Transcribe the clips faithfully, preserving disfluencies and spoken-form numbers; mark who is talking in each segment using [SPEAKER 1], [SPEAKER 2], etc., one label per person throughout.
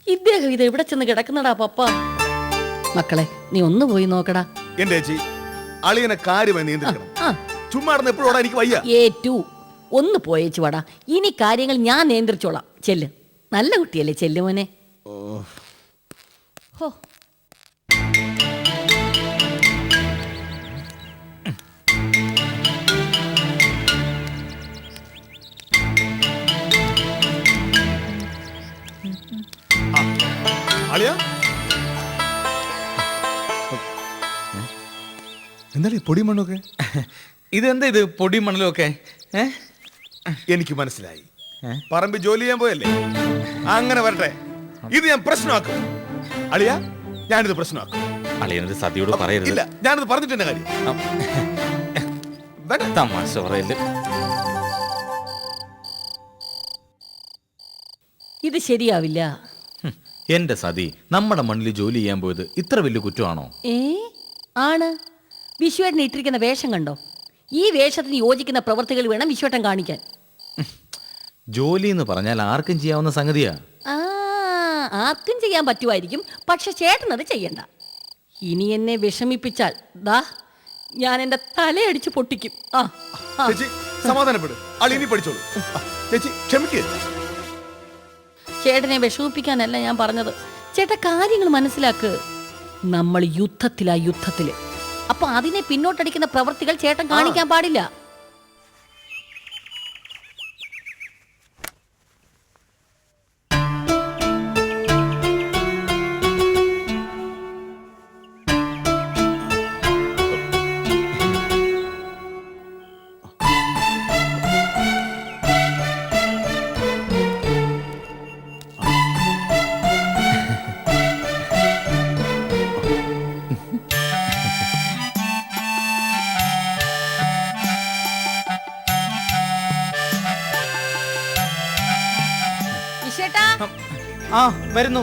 [SPEAKER 1] ഇദ്ദേഹം ഇത് എവിടെ ചെന്ന് കിടക്കുന്നടാ പപ്പ? മക്കളെ നീ ഒന്ന് പോയി നോക്കടാ.
[SPEAKER 2] എന്റെ ചേച്ചി അളിയനെ കാര്യമായി നിയന്ത്രിക്കണം. ചുമ്മാ എപ്പോഴും എനിക്ക് വയ്യ.
[SPEAKER 1] ഏറ്റു ഒന്ന് പോയേച്ചു വാടാ. ഇനി കാര്യങ്ങൾ ഞാൻ നിയന്ത്രിച്ചോളാം. ചെല്ല്, നല്ല കുട്ടിയല്ലേ, ചെല്ലു മോനെ. ഹോ
[SPEAKER 2] എന്താ പൊടി മണ്ണൊക്കെ?
[SPEAKER 3] ഇതെന്താ ഇത് പൊടി മണ്ണലും ഒക്കെ?
[SPEAKER 2] എനിക്ക് മനസ്സിലായി, പറമ്പ് ജോലി ചെയ്യാൻ പോയല്ലേ. അങ്ങനെ വരട്ടെ, ഇത് ഞാൻ പ്രശ്നമാക്കും. അളിയ, ഞാനിത് പ്രശ്നമാക്കും.
[SPEAKER 3] അളിയനത് സതിയോട് പറയരുത്.
[SPEAKER 2] ഇല്ല, ഞാനിത് പറഞ്ഞിട്ടെന്നെ കാര്യം.
[SPEAKER 3] തമാശ പറയല്.
[SPEAKER 1] ഇത് ശരിയാവില്ല.
[SPEAKER 3] എന്റെ സതി, നമ്മുടെ മണ്ണിൽ ജോലി ചെയ്യാൻ പോയത് ഇത്ര വലിയ കുറ്റമാണോ?
[SPEAKER 1] ഏ ആണ്. വിശ്വേട്ടൻ ഇട്ടിരിക്കുന്ന വേഷം കണ്ടോ? ഈ വേഷത്തിന് യോജിക്കുന്ന പ്രവർത്തികൾ വേണം വിശ്വേട്ടൻ കാണിക്കാൻ.
[SPEAKER 3] ജോലി എന്ന് പറഞ്ഞാൽ ആർക്കും ചെയ്യാവുന്ന സംഗതിയാ.
[SPEAKER 1] ആ ആർക്കും ചെയ്യാൻ പറ്റുമായിരിക്കും, പക്ഷെ ചേട്ടൻ അത് ചെയ്യണ്ട. ഇനി എന്നെ വിഷമിപ്പിച്ചാൽ ദാ ഞാൻ എന്റെ തലയടിച്ച് പൊട്ടിക്കും. ആ
[SPEAKER 2] ചേച്ചി സമാധാനപ്പെടും. അളിയനി പഠിച്ചോളൂ. ചേച്ചി ക്ഷമിക്ക്.
[SPEAKER 1] ചേട്ടനെ വിഷമിപ്പിക്കാനല്ല ഞാൻ പറഞ്ഞത്. ചേട്ടാ കാര്യങ്ങൾ മനസ്സിലാക്ക്. നമ്മൾ യുദ്ധത്തിലാ യുദ്ധത്തില്. അപ്പൊ അതിനെ പിന്നോട്ടടിക്കുന്ന പ്രവൃത്തികൾ ചേട്ടൻ കാണിക്കാൻ പാടില്ല.
[SPEAKER 3] ആ വരുന്നു.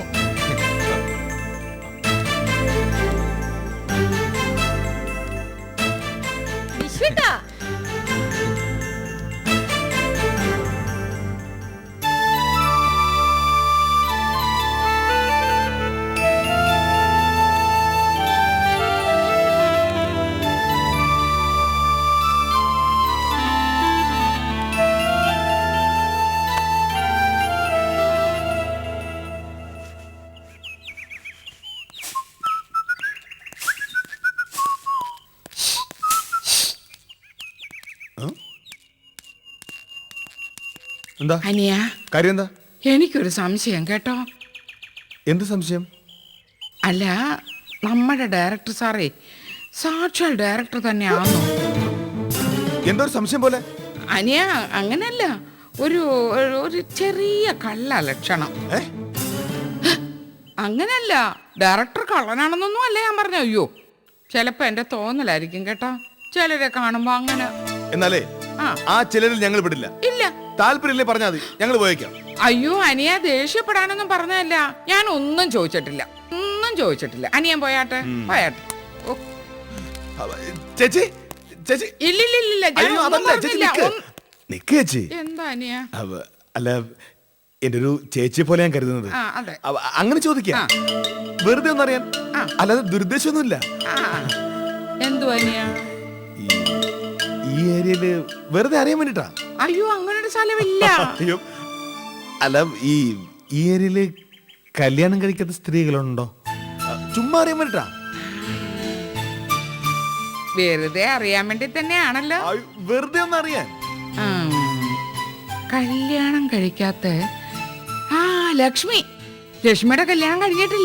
[SPEAKER 1] വിശ്വേട്ടാ,
[SPEAKER 2] എന്താ
[SPEAKER 4] അനിയ,
[SPEAKER 2] കാര്യം? എന്താ?
[SPEAKER 4] എനിക്കൊരു സംശയം കേട്ടോ.
[SPEAKER 2] എന്ത് സംശയം?
[SPEAKER 4] അല്ല, നമ്മുടെ ഡയറക്ടർ സാറേ സാക്ഷാൽ ഡയറക്ടർ തന്നെയാണോ?
[SPEAKER 2] എന്തോ ഒരു സംശയം പോലെ.
[SPEAKER 4] അനിയ, അങ്ങനല്ല, ഒരു ഒരു ചെറിയ കള്ള ലക്ഷണം. അങ്ങനല്ല, ഡയറക്ടർ കള്ളനാണെന്നൊന്നും അല്ല ഞാൻ പറഞ്ഞു. അയ്യോ, ചിലപ്പോ എന്റെ തോന്നലായിരിക്കും കേട്ടോ. ചിലരെ കാണുമ്പോ അങ്ങനെ.
[SPEAKER 2] എന്നാലേ ആ ചിലരിൽ ഞങ്ങൾ വിടില്ല.
[SPEAKER 4] ഇല്ല,
[SPEAKER 2] താല്പര്യമില്ലേ പറഞ്ഞാൽ മതി, ഞങ്ങൾ പോയേക്കാം.
[SPEAKER 4] അയ്യോ അനിയ, ദേഷ്യപ്പെടാനൊന്നും പറഞ്ഞതല്ല. ഞാൻ ഒന്നും ചോദിച്ചിട്ടില്ല, ഒന്നും ചോദിച്ചിട്ടില്ല. അനിയൻ പോയാട്ടെ, പോയാട്ടെ.
[SPEAKER 2] ചേച്ചി ചേച്ചി
[SPEAKER 4] ഇല്ലില്ലില്ല,
[SPEAKER 2] ചേച്ചി
[SPEAKER 4] എന്താ അനിയ?
[SPEAKER 2] അല്ല, എന്റെ ഒരു ചേച്ചിയെ പോലെ ഞാൻ കരുതുന്നത്. അങ്ങനെ ചോദിക്കാം, വെറുതെ ഒന്നറിയാൻ, അല്ലാതെ ദുരുദ്ദേശമൊന്നുമില്ല.
[SPEAKER 4] എന്തു അനിയ?
[SPEAKER 2] ഈ ഏരിയയില് വെറുതെ അറിയാൻ വേണ്ടിട്ടാ.
[SPEAKER 4] അയ്യോ, അങ്ങനെ ഒരു സ്ഥലമില്ല.
[SPEAKER 2] അയ്യോ, അല്ല, ഈ ഈ ഏരിയയില് കല്യാണം കഴിക്കാത്ത സ്ത്രീകളുണ്ടോ? ചുമ്മാ അറിയാൻ വേണ്ടിട്ടാ.
[SPEAKER 4] വെറുതെ അറിയാൻ വേണ്ടി തന്നെയാണല്ലോ.
[SPEAKER 2] വെറുതെ ഒന്ന് അറിയാൻ.
[SPEAKER 4] കല്യാണം കഴിക്കാത്ത ആ ലക്ഷ്മി, ലക്ഷ്മിയുടെ കല്യാണം കഴിഞ്ഞിട്ടില്ല.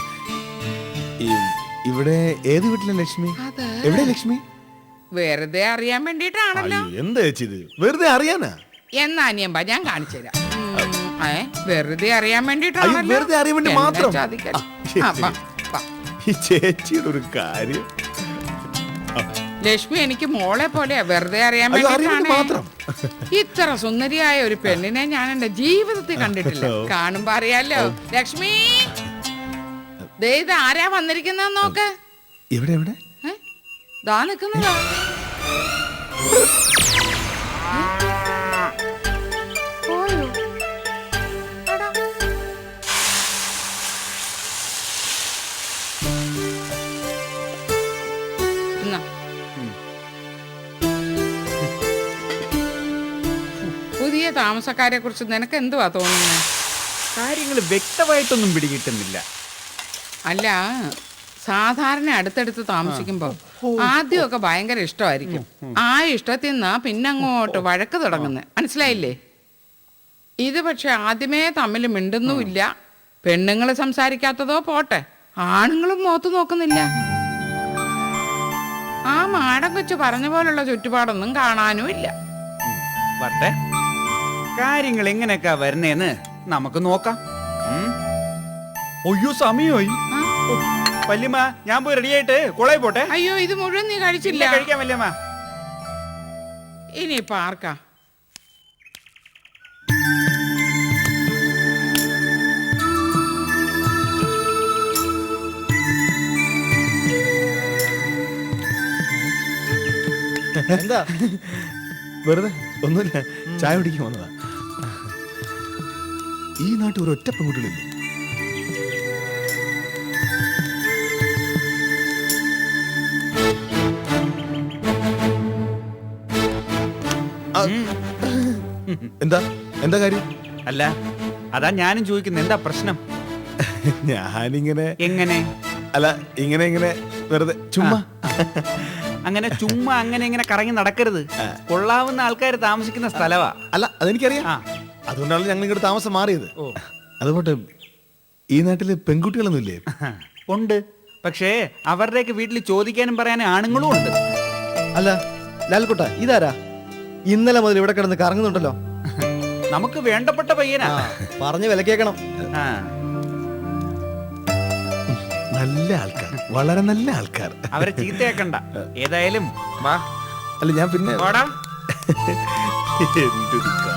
[SPEAKER 2] ഇവിടെ ഏത് വീട്ടിലെ ലക്ഷ്മി? എവിടെ ലക്ഷ്മി?
[SPEAKER 4] വെറുതെ അറിയാൻ വേണ്ടിട്ടാണല്ലോ.
[SPEAKER 2] എന്താ ചേച്ചി ഇത്? വെറുതെ അറിയാനാ?
[SPEAKER 4] എന്നാ അനിയമ്പ ഞാൻ കാണിച്ചു തരാം. വെറുതെ അറിയാൻ വേണ്ടിട്ടാണല്ലോ.
[SPEAKER 2] വെറുതെ അറിയാൻ വേണ്ടി മാത്രം. ഈ ചേച്ചിയുടെ ഒരു കാര്യം.
[SPEAKER 4] ലക്ഷ്മി എനിക്ക് മോളെ പോലെ വെറുതെ അറിയാൻ വേണ്ടി. ഇത്ര സുന്ദരിയായ ഒരു പെണ്ണിനെ ഞാൻ എന്റെ ജീവിതത്തിൽ കണ്ടിട്ടില്ല. കാണുമ്പോ അറിയാലോ. ലക്ഷ്മി, ദേ ഇത് ആരാ വന്നിരിക്കുന്ന നോക്ക്.
[SPEAKER 2] എവിടെ എവിടെ?
[SPEAKER 4] ദാ നിക്കുന്നതാ. പുതിയ താമസക്കാരെ കുറിച്ച് നിനക്ക് എന്തുവാ തോന്നുന്നത്?
[SPEAKER 5] കാര്യങ്ങൾ വ്യക്തമായിട്ടൊന്നും പിടികിട്ടുന്നില്ല.
[SPEAKER 4] അല്ല, സാധാരണ അടുത്തടുത്ത് താമസിക്കുമ്പോ ആദ്യമൊക്കെ ഭയങ്കര ഇഷ്ടമായിരിക്കും. ആ ഇഷ്ടത്തിൽ നിന്നാ പിന്നെ അങ്ങോട്ട് വഴക്ക് തുടങ്ങുന്നത്, മനസ്സിലായില്ലേ? ഇത് പക്ഷെ ആദ്യമേ തമ്മിൽ മിണ്ടുന്നുമില്ല. പെണ്ണുങ്ങൾ സംസാരിക്കാത്തതോ പോട്ടെ, ആണുങ്ങളും മുഖത്ത് നോക്കുന്നില്ല. ആ മാടം കൊച്ചു പറഞ്ഞ പോലുള്ള ചുറ്റുപാടൊന്നും കാണാനും ഇല്ല.
[SPEAKER 5] വട്ടെ, കാര്യങ്ങൾ എങ്ങനെയൊക്കെ വരുന്നേന്ന് നമുക്ക് നോക്കാം. ഉം. ഒയ്യോ, സമയമായി. വല്യമ്മ, ഞാൻ പോയി റെഡിയായിട്ട് കോളേജ് പോട്ടെ.
[SPEAKER 4] അയ്യോ, ഇത് മുഴുവൻ നീ കഴിച്ചില്ല.
[SPEAKER 5] ഇല്ല, കഴിക്കാം വല്യമ്മ.
[SPEAKER 4] ഇനിയിപ്പോ ആർക്കാ?
[SPEAKER 2] എന്താ വെറുതെ ഒന്നുമില്ല, ചായ കുടിക്കാൻ വന്നതാ. ഈ നാട്ടിൽ ഒരു ഒറ്റ പെൺകുട്ടികളില്ലേ? ആ, എന്താ എന്താ കാര്യം?
[SPEAKER 5] അല്ല, അതാ ഞാനും ചോദിക്കുന്നത്, എന്താ പ്രശ്നം?
[SPEAKER 2] ഞാനിങ്ങനെ
[SPEAKER 5] എങ്ങനെ?
[SPEAKER 2] അല്ല, ഇങ്ങനെ ഇങ്ങനെ വെറുതെ ചുമ്മാ.
[SPEAKER 5] അങ്ങനെ ചുമ്മാ അങ്ങനെ ഇങ്ങനെ കറങ്ങി നടക്കരുത്. കൊള്ളാവുന്ന ആൾക്കാർ താമസിക്കുന്ന സ്ഥലവാ.
[SPEAKER 2] അല്ല, അതെനിക്കറിയാം.
[SPEAKER 5] ആ.
[SPEAKER 2] അതുകൊണ്ടാണ് ഞങ്ങൾ ഇങ്ങോട്ട് താമസം മാറിയത്.
[SPEAKER 5] ഓ.
[SPEAKER 2] അതുകൊണ്ട് ഈ നാട്ടില് പെൺകുട്ടികളൊന്നും ഇല്ലേ?
[SPEAKER 5] ഉണ്ട്, പക്ഷേ അവരുടെയൊക്കെ വീട്ടിൽ ചോദിക്കാനും പറയാനും ആണുങ്ങളും ഉണ്ട്.
[SPEAKER 6] അല്ല ലാൽക്കുട്ട, ഇതാരാ ഇന്നലെ മുതൽ ഇവിടെ കിടന്ന് കറങ്ങുന്നുണ്ടല്ലോ?
[SPEAKER 5] നമുക്ക് വേണ്ടപ്പെട്ട പയ്യനാ.
[SPEAKER 6] പറഞ്ഞു വില കേൾക്കണം.
[SPEAKER 5] ആ.
[SPEAKER 2] നല്ല ആൾക്കാർ, വളരെ നല്ല ആൾക്കാർ.
[SPEAKER 5] അവരെ ചീത്തയാക്കണ്ട. ഏതായാലും വാ.
[SPEAKER 2] അല്ല, ഞാൻ പിന്നെ
[SPEAKER 5] വാടാ.
[SPEAKER 2] എന്തൊരു